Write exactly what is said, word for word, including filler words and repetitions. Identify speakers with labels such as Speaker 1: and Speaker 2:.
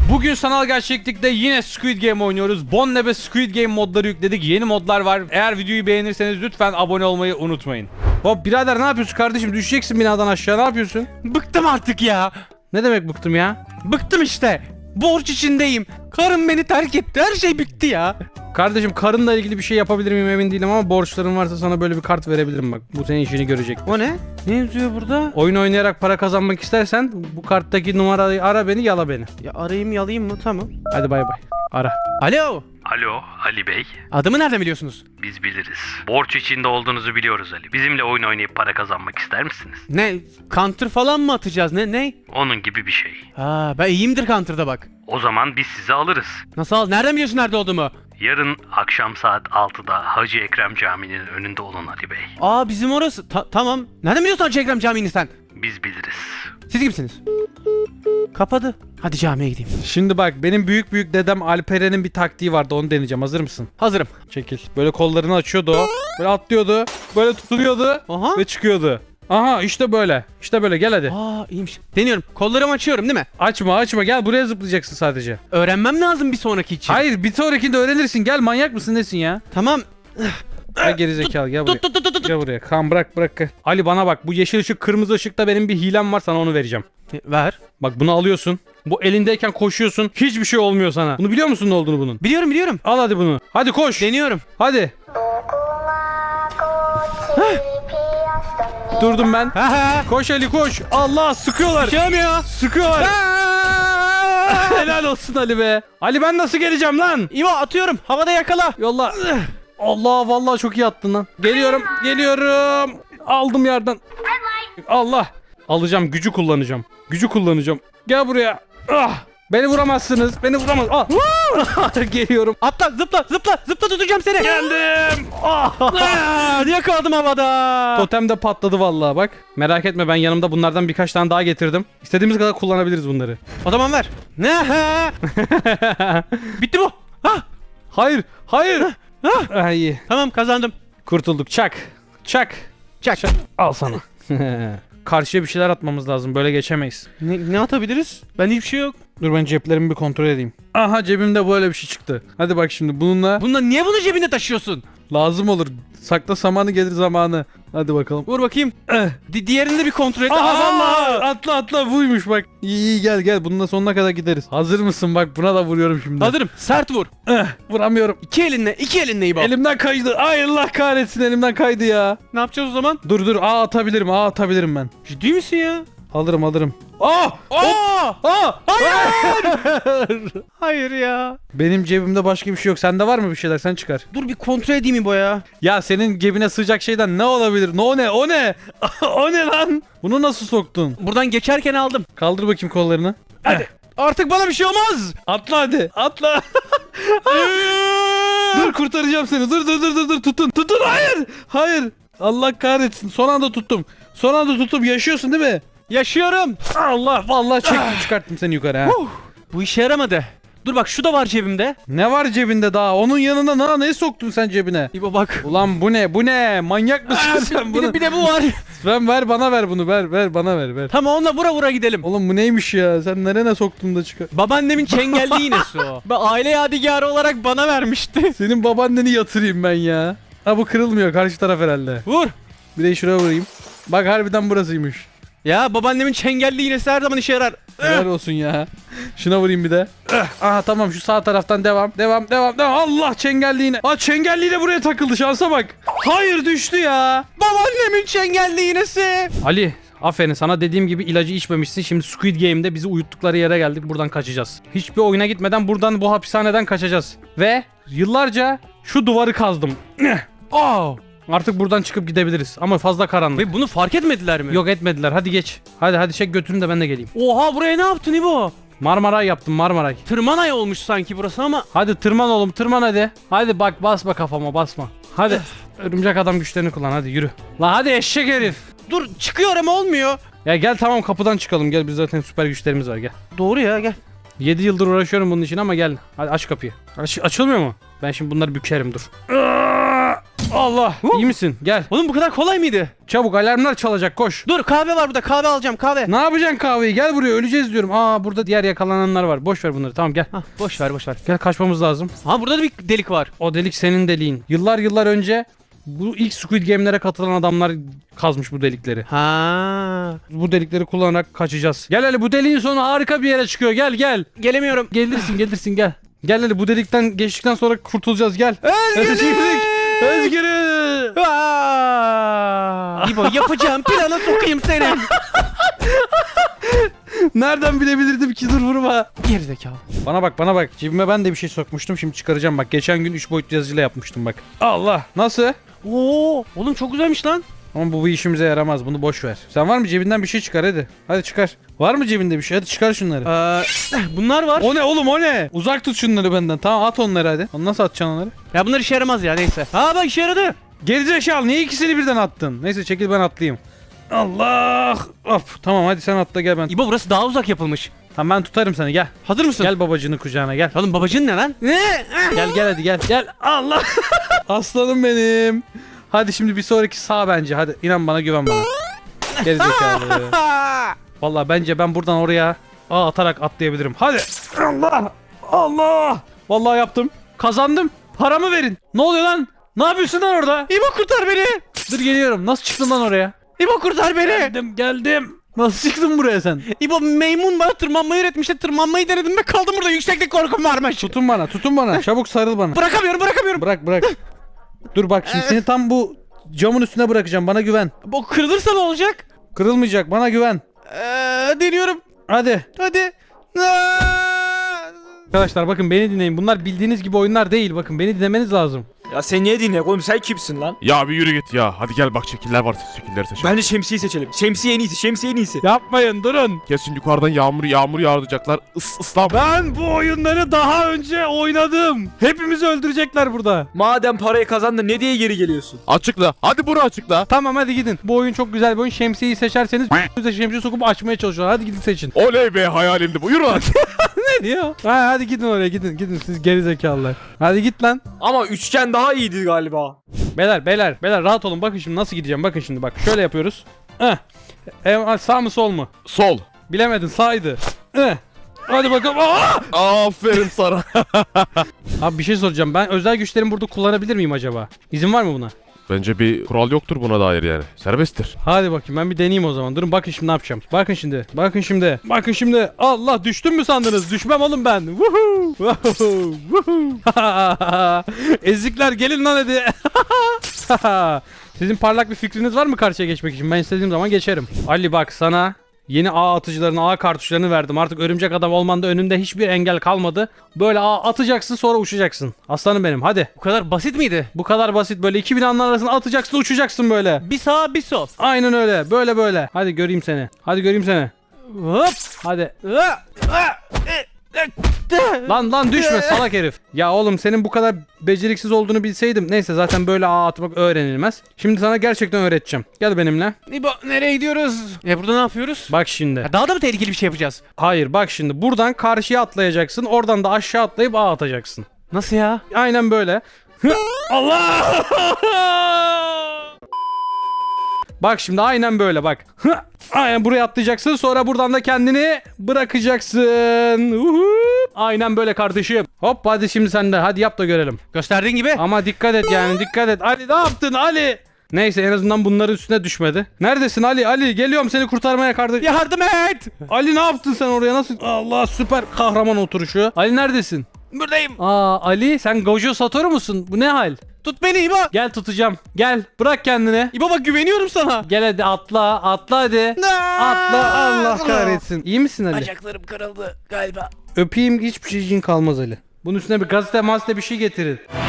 Speaker 1: Bugün sanal gerçeklikte yine Squid Game oynuyoruz. Bonnebe Squid Game modları yükledik. Yeni modlar var. Eğer videoyu beğenirseniz lütfen abone olmayı unutmayın. Hop birader ne yapıyorsun kardeşim? Düşeceksin binadan aşağı, ne yapıyorsun?
Speaker 2: Bıktım artık ya.
Speaker 1: Ne demek bıktım ya?
Speaker 2: Bıktım işte. Borç içindeyim. Karım beni terk etti. Her şey bitti ya.
Speaker 1: Kardeşim karınla ilgili bir şey yapabilir miyim emin değilim ama borçların varsa sana böyle bir kart verebilirim bak. Bu senin işini görecek.
Speaker 2: O ne? Ne yazıyor burada?
Speaker 1: Oyun oynayarak para kazanmak istersen bu karttaki numarayı ara beni, yala beni.
Speaker 2: Ya arayayım yalayayım mı? Tamam.
Speaker 1: Hadi bay bay. Ara.
Speaker 2: Alo.
Speaker 3: Alo Ali Bey,
Speaker 2: Adımı nereden biliyorsunuz?
Speaker 3: biz biliriz. Borç içinde olduğunuzu biliyoruz Ali. Bizimle oyun oynayıp para kazanmak ister misiniz?
Speaker 2: Ne? Counter falan mı atacağız? Ne? Ne?
Speaker 3: Onun gibi bir şey.
Speaker 2: Ha, ben iyiyimdir Counter'da bak.
Speaker 3: O zaman biz sizi alırız.
Speaker 2: Nasıl al? Nereden biliyorsun nerede olduğumu?
Speaker 3: Yarın akşam saat altıda Hacı Ekrem Camii'nin önünde olun Ali Bey.
Speaker 2: Aa bizim orası. Ta- tamam. Nereden biliyorsun Hacı Ekrem Camii'ni sen?
Speaker 3: Biz biliriz.
Speaker 2: Siz kimsiniz? Kapadı. Hadi camiye gideyim.
Speaker 1: Şimdi bak benim büyük büyük dedem Alperen'in bir taktiği vardı, onu deneyeceğim. Hazır mısın?
Speaker 2: Hazırım.
Speaker 1: Çekil. Böyle kollarını açıyordu o. Böyle atlıyordu. Böyle tutunuyordu.
Speaker 2: Aha.
Speaker 1: Ve çıkıyordu. Aha işte böyle. İşte böyle, gel hadi.
Speaker 2: Aa iyiymiş. Deniyorum. Kollarımı açıyorum değil mi?
Speaker 1: Açma açma, gel buraya zıplayacaksın sadece.
Speaker 2: Öğrenmem lazım bir sonraki için.
Speaker 1: Hayır, bir sonrakinde öğrenirsin. Gel, manyak mısın nesin ya?
Speaker 2: Tamam.
Speaker 1: Gel gerizekalı, gel buraya.
Speaker 2: Tut tut tut tut tut.
Speaker 1: Gel buraya. Kan bırak bırak. Ali bana bak, bu yeşil ışık kırmızı ışıkta benim bir hilem var, sana onu vereceğim.
Speaker 2: E, Ver.
Speaker 1: Bak bunu alıyorsun. Bu elindeyken koşuyorsun. Hiçbir şey olmuyor sana. Bunu biliyor musun ne olduğunu bunun?
Speaker 2: Biliyorum biliyorum.
Speaker 1: Al hadi bunu. Hadi koş.
Speaker 2: Deniyorum.
Speaker 1: Hadi. Durdum ben.
Speaker 2: Ha ha.
Speaker 1: Koş Ali koş. Allah, sıkıyorlar.
Speaker 2: Çıkamıyor.
Speaker 1: Sıkıyorlar. Helal olsun Ali be. Ali ben nasıl geleceğim lan?
Speaker 2: İvo atıyorum. Havada yakala.
Speaker 1: Yolla. Allah, vallahi çok iyi attın lan. Geliyorum. Geliyorum. Aldım yerden. Allah. Alacağım, gücü kullanacağım. Gücü kullanacağım. Gel buraya. Ah. Beni vuramazsınız. Beni vuramaz. Ah. Geliyorum.
Speaker 2: Atla zıpla zıpla zıpla tutacağım seni.
Speaker 1: Geldim. Ah.
Speaker 2: Aa, yakaladım havada.
Speaker 1: Totem de patladı vallahi bak. Merak etme, ben yanımda bunlardan birkaç tane daha getirdim. İstediğimiz kadar kullanabiliriz bunları.
Speaker 2: O zaman ver. Ne? Bitti bu. Ha.
Speaker 1: Hayır. Hayır. Ah, iyi.
Speaker 2: Tamam kazandım.
Speaker 1: Kurtulduk. Çak. Çak.
Speaker 2: Çak.
Speaker 1: Al sana. Karşıya bir şeyler atmamız lazım. Böyle geçemeyiz.
Speaker 2: Ne, ne atabiliriz? Bende hiçbir şey yok.
Speaker 1: Dur ben ceplerimi bir kontrol edeyim. Aha, cebimde böyle bir şey çıktı. Hadi bak şimdi bununla
Speaker 2: Bununla niye bunu cebinde taşıyorsun?
Speaker 1: lazım olur. Sakla samanı gelir zamanı. Hadi bakalım.
Speaker 2: Vur bakayım.
Speaker 1: Eh.
Speaker 2: Di diğerini de bir kontrol et.
Speaker 1: Aha
Speaker 2: Aa!
Speaker 1: vallahi atla atla, buymuş bak. İyi iyi, gel gel, bununla sonuna kadar gideriz. Hazır mısın, bak buna da vuruyorum şimdi.
Speaker 2: Hazırım. Sert vur.
Speaker 1: Eh, vuramıyorum.
Speaker 2: İki elinle, iki elinle iyi bak.
Speaker 1: Elimden kaydı. Ay Allah kahretsin, elimden kaydı ya.
Speaker 2: Ne yapacağız o zaman?
Speaker 1: Dur dur, A atabilirim, A atabilirim ben.
Speaker 2: Ciddi misin ya?
Speaker 1: Alırım alırım. Aa!
Speaker 2: Aa!
Speaker 1: Aa!
Speaker 2: Hayır! Hayır ya.
Speaker 1: Benim cebimde başka bir şey yok. Sende var mı bir şeyler? Sen çıkar.
Speaker 2: Dur bir kontrol edeyim mi bu ya?
Speaker 1: Ya senin cebine sığacak şeyden ne olabilir? Ne o ne? O ne? O ne lan? Bunu nasıl soktun?
Speaker 2: Buradan geçerken aldım.
Speaker 1: Kaldır bakayım kollarını.
Speaker 2: Hadi. Artık bana bir şey olmaz.
Speaker 1: Atla hadi. Atla. Dur kurtaracağım seni. Dur dur dur dur dur. Tutun. Tutun. Hayır. Hayır. Allah kahretsin. Son anda tuttum. Son anda tuttum. Yaşıyorsun değil mi?
Speaker 2: Yaşıyorum.
Speaker 1: Allah vallahi çektim, çıkarttım seni yukarı ha.
Speaker 2: Huh. Bu işe yaramadı. Dur bak şu da var cebimde.
Speaker 1: Ne var cebinde daha? Onun yanına na ne soktun sen cebine?
Speaker 2: İbo bak.
Speaker 1: Ulan bu ne? Bu ne? Manyak mısın
Speaker 2: Aa,
Speaker 1: sen
Speaker 2: bir,
Speaker 1: bunu?
Speaker 2: de, bir de bu var.
Speaker 1: Ben ver, bana ver bunu. Ver ver bana ver ver.
Speaker 2: Tamam onunla vura vura gidelim.
Speaker 1: Oğlum bu neymiş ya? Sen nerene soktun da çıkar?
Speaker 2: Babaannemin çengelli iğnesi o. Ben aile yadigarı olarak bana vermişti.
Speaker 1: Senin babaanneni yatırayım ben ya. Ha bu kırılmıyor, karşı taraf herhalde.
Speaker 2: Vur.
Speaker 1: Bir de şuraya vurayım. Bak harbiden burasıymış.
Speaker 2: Ya babaannemin çengelli iğnesi her zaman işe yarar.
Speaker 1: Helal olsun ya. Şuna vurayım bir de. Aha tamam, şu sağ taraftan devam. Devam devam devam. Allah, çengelliğine. Aa, çengelliği de buraya takıldı, şansa bak. Hayır, düştü ya.
Speaker 2: Babaannemin çengelli iğnesi.
Speaker 1: Ali, aferin sana, dediğim gibi ilacı içmemişsin. Şimdi Squid Game'de bizi uyuttukları yere geldik. Buradan kaçacağız. Hiçbir oyuna gitmeden buradan, bu hapishaneden kaçacağız. Ve yıllarca şu duvarı kazdım.
Speaker 2: Aa.
Speaker 1: Artık buradan çıkıp gidebiliriz. Ama fazla karanlık.
Speaker 2: Ve bunu fark etmediler mi?
Speaker 1: Yok etmediler. Hadi geç. Hadi hadi çek götürün de ben de geleyim.
Speaker 2: Oha buraya ne yaptın İbo?
Speaker 1: Marmaray yaptım, Marmaray.
Speaker 2: Tırmanay olmuş sanki burası ama.
Speaker 1: Hadi tırman oğlum, tırman hadi. Hadi bak, basma kafama, basma. Hadi. Örümcek adam güçlerini kullan, hadi yürü. La hadi eşek herif.
Speaker 2: Dur çıkıyor ama olmuyor.
Speaker 1: Ya gel tamam, kapıdan çıkalım, gel, biz zaten süper güçlerimiz var, gel.
Speaker 2: Doğru ya gel.
Speaker 1: yedi yıldır uğraşıyorum bunun için ama gel. Hadi aç kapıyı. Aç, açılmıyor mu? Ben şimdi bunları bükerim, dur. Allah. İyi misin? Gel.
Speaker 2: Oğlum bu kadar kolay mıydı?
Speaker 1: Çabuk alarmlar çalacak koş.
Speaker 2: Dur kahve var burada, kahve alacağım, kahve.
Speaker 1: Ne yapacaksın kahveyi? Gel buraya öleceğiz diyorum. Aa burada diğer yakalananlar var. Boş ver bunları. Tamam gel.
Speaker 2: Hah, boş ver boş ver.
Speaker 1: Gel kaçmamız lazım.
Speaker 2: Ha burada da bir delik var.
Speaker 1: O delik senin deliğin. Yıllar yıllar önce bu ilk Squid Game'lere katılan adamlar kazmış bu delikleri.
Speaker 2: Ha.
Speaker 1: Bu delikleri kullanarak kaçacağız. Gel hele bu deliğin sonu harika bir yere çıkıyor. Gel gel.
Speaker 2: Gelemiyorum.
Speaker 1: Gelirsin gelirsin gel. Gel hele bu delikten geçtikten sonra kurtulacağız gel.
Speaker 2: Özgürlük!
Speaker 1: Özgürlük!
Speaker 2: Aa! İbo yapacağım plana sokayım seni.
Speaker 1: Nereden bilebilirdim ki dur vurma.
Speaker 2: Gerizekalı.
Speaker 1: Bana bak bana bak. Cebime ben de bir şey sokmuştum şimdi çıkaracağım bak. Geçen gün üç boyutlu yazıcıyla yapmıştım bak. Allah nasıl?
Speaker 2: Oo, oğlum çok güzelmiş lan.
Speaker 1: Ama bu, bu işimize yaramaz bunu boş ver. Sen var mı cebinden bir şey çıkar hadi. Hadi çıkar. Var mı cebinde bir şey? Hadi çıkar şunları.
Speaker 2: Ee, bunlar var.
Speaker 1: O ne oğlum o ne? Uzak tut şunları benden. Tamam at onları hadi. Onu nasıl atacaksın onları?
Speaker 2: Ya bunlar işe yaramaz ya neyse. Ha bak işe yaradı.
Speaker 1: Gerizekalı niye ikisini birden attın? Neyse çekil ben atlayayım. Allah! Of tamam hadi sen atla gel ben.
Speaker 2: İbo burası daha uzak yapılmış.
Speaker 1: Tamam ben tutarım seni gel.
Speaker 2: Hazır mısın?
Speaker 1: Gel babacını kucağına gel.
Speaker 2: Oğlum babacın ne lan? Ne?
Speaker 1: Gel gel hadi gel. Gel. Allah! Aslanım benim. Hadi şimdi bir sonraki sağ bence. Hadi inan bana güven bana. Gerizekalı. Vallahi bence ben buradan oraya ağ atarak atlayabilirim. Hadi. Allah! Allah! Vallahi yaptım. Kazandım. Paramı verin. Ne oluyor lan? Ne yapıyorsun lan orada?
Speaker 2: İbo kurtar beni.
Speaker 1: Dur geliyorum. Nasıl çıktın lan oraya?
Speaker 2: İbo kurtar beni.
Speaker 1: Geldim geldim. Nasıl çıktın buraya sen?
Speaker 2: İbo maymun bana tırmanmayı öğretmişti. Tırmanmayı denedim ve kaldım burada. Yükseklik korkum varmış.
Speaker 1: Tutun bana tutun bana. Çabuk sarıl bana.
Speaker 2: Bırakamıyorum bırakamıyorum.
Speaker 1: Bırak bırak. Dur bak şimdi seni tam bu camın üstüne bırakacağım. Bana güven.
Speaker 2: Bu kırılırsa ne olacak?
Speaker 1: Kırılmayacak. Bana güven.
Speaker 2: Ee, deniyorum.
Speaker 1: Hadi.
Speaker 2: Hadi. Aa!
Speaker 1: Arkadaşlar bakın beni dinleyin. Bunlar bildiğiniz gibi oyunlar değil. Bakın beni dinlemeniz lazım.
Speaker 4: Ya sen niye dinle oğlum, sen kimsin lan?
Speaker 5: Ya bir yürü git ya. Hadi gel bak şekiller var. Şekilleri seç.
Speaker 4: Bence şemsiyeyi seçelim. Şemsiye en iyisi, şemsiye en iyisi.
Speaker 1: Yapmayın durun.
Speaker 5: Kesin yukarıdan yağmur yağmur yağdıracaklar. Is ıslan.
Speaker 1: Ben bu oyunları daha önce oynadım. Hepimizi öldürecekler burada.
Speaker 4: Madem parayı kazandın ne diye geri geliyorsun?
Speaker 5: Açıkla. Hadi bunu açıkla.
Speaker 1: Tamam hadi gidin. Bu oyun çok güzel bir oyun. Şemsiyeyi seçerseniz size şemsiye sokup açmaya çalışıyorlar. Hadi gidin seçin.
Speaker 5: Oley be hayalimdi bu. Yürü lan.
Speaker 1: Ne diyor? Ha, hadi gidin oraya gidin. Gidin siz gerizekalılar. Hadi git lan.
Speaker 4: Ama üçgen daha iyiydi galiba.
Speaker 1: Beyler beyler beyler rahat olun. Bakın şimdi nasıl gideceğim. Bakın şimdi bak. Şöyle yapıyoruz. Eh. E, sağ mı sol mu?
Speaker 5: Sol.
Speaker 1: Bilemedin sağydı. Eh. Hadi bakalım. Aa!
Speaker 5: Aferin sana.
Speaker 1: Abi bir şey soracağım. Ben özel güçlerimi burada kullanabilir miyim acaba? İzin var mı buna?
Speaker 5: Bence bir kural yoktur buna dair yani. Serbesttir.
Speaker 1: Hadi bakayım ben bir deneyeyim o zaman. Durun bakın şimdi ne yapacağım. Bakın şimdi. Bakın şimdi. Bakın şimdi. Allah düştüm mü sandınız? Düşmem oğlum ben. Woohoo! Woohoo! Woohoo! Ezikler gelin lan hadi. Sizin parlak bir fikriniz var mı karşıya geçmek için? Ben istediğim zaman geçerim. Ali bak sana yeni ağ atıcılarını, ağ kartuşlarını verdim. Artık örümcek adam olmanda önünde hiçbir engel kalmadı. Böyle ağ atacaksın sonra uçacaksın. Aslanım benim hadi.
Speaker 2: Bu kadar basit miydi?
Speaker 1: Bu kadar basit böyle iki binanın arasına atacaksın uçacaksın böyle.
Speaker 2: Bir sağ bir sol.
Speaker 1: Aynen öyle böyle böyle. Hadi göreyim seni. Hadi göreyim seni.
Speaker 2: Hop.
Speaker 1: Hadi.
Speaker 2: Aa, aa, e, e, de.
Speaker 1: Lan lan düşme salak herif. Ya oğlum senin bu kadar beceriksiz olduğunu bilseydim. Neyse zaten böyle ağ atmak öğrenilmez. Şimdi sana gerçekten öğreteceğim. Gel benimle.
Speaker 2: İbo nereye gidiyoruz? E burada ne yapıyoruz?
Speaker 1: Bak şimdi.
Speaker 2: Ya daha da mı tehlikeli bir şey yapacağız?
Speaker 1: Hayır bak şimdi. Buradan karşıya atlayacaksın. Oradan da aşağı atlayıp ağ atacaksın.
Speaker 2: Nasıl ya?
Speaker 1: Aynen böyle. Hı, Allah! Bak şimdi aynen böyle bak. Hı, aynen buraya atlayacaksın. Sonra buradan da kendini bırakacaksın. Uhu. Aynen böyle kardeşim. Hop hadi şimdi sen de. Hadi yap da görelim.
Speaker 2: Gösterdiğin gibi.
Speaker 1: Ama dikkat et yani dikkat et. Ali ne yaptın Ali? Neyse en azından bunların üstüne düşmedi. Neredesin Ali? Ali geliyorum seni kurtarmaya kardeşim.
Speaker 2: Yardım et.
Speaker 1: Ali ne yaptın sen oraya nasıl? Allah süper kahraman oturuşu. Ali neredesin?
Speaker 2: Buradayım.
Speaker 1: Aa Ali sen Gojo Satoru musun? Bu ne hal?
Speaker 2: Tut beni İbo.
Speaker 1: Gel tutacağım. Gel bırak kendini.
Speaker 2: İbo bak güveniyorum sana.
Speaker 1: Gel hadi atla atla hadi. Atla Allah kahretsin. İyi misin Ali?
Speaker 2: Bacaklarım kırıldı galiba.
Speaker 1: Öpeyim hiçbir şeyin kalmaz Ali. Bunun üstüne bir gazete mazete bir şey getirin.